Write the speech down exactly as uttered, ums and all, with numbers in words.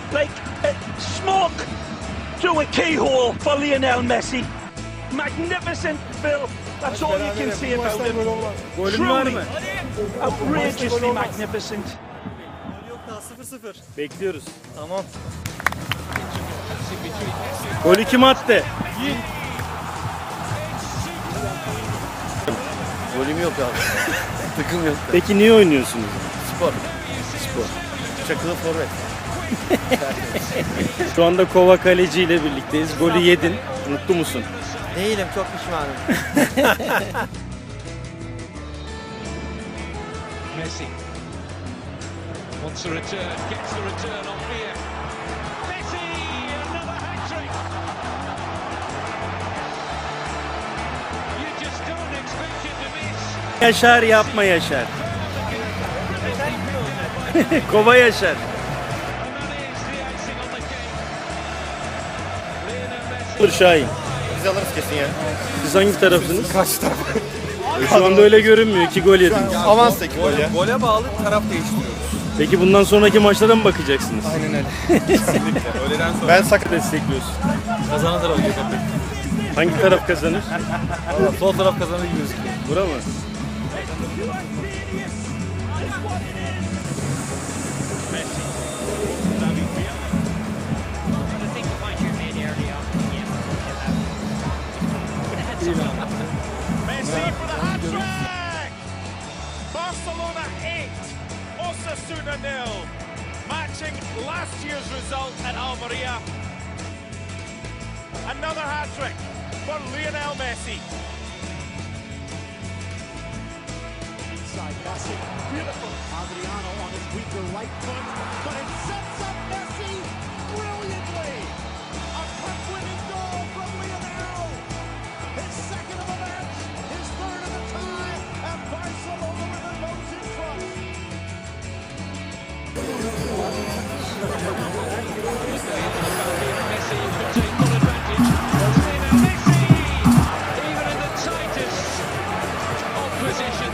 like uh, smoke through a keyhole for Lionel Messi. Magnificent, Phil. That's all you can say about him. Golün var mı? Outrageously magnificent. Yok daha sıfır sıfır. Bekliyoruz. Tamam. Golü kim attı? Golüm yok abi. Takım yok. Peki niye oynuyorsunuz? Spor. Spor. Çakılı forvet. Şu anda Kova Kaleci ile birlikteyiz. Golü yedin. Mutlu musun? Değilim, çok pişmanım. Messi wants a return, gets the return on Villa. Messi, another hat-trick. You just don't expect it to miss. Yaşar yapma Yaşar. Kova Yaşar. And that is the icing on the cake. Lionel Messi. Olur Şahin. Biz alırız kesin ya. Siz hangi tarafsınız? Kaç taraf? Şu anda öyle görünmüyor. İki gol yediniz. Avans'taki gol ya. Gole bağlı taraf değiştiriyoruz. Peki bundan sonraki maçlara mı bakacaksınız? Aynen öyle. Kesinlikle. Öğleden sonra Ben sakın. Destekliyorsun. kazanan taraf Gökhan Bey. Hangi taraf kazanır? Valla sol taraf kazanır gibi gözüküyor. Bura mı? Messi for the hat-trick! Barcelona eight, Osasuna nil, matching last year's result at Almeria. Another hat-trick for Lionel Messi. Inside Messi, beautiful. Adriano on his weaker right foot, but it sets up Messi brilliantly. A cup-winning goal from Lionel. His second of the match, his third of the tie, and Barcelona with their nose in front. Messi could take full advantage. Lionel Messi, even in the tightest of positions.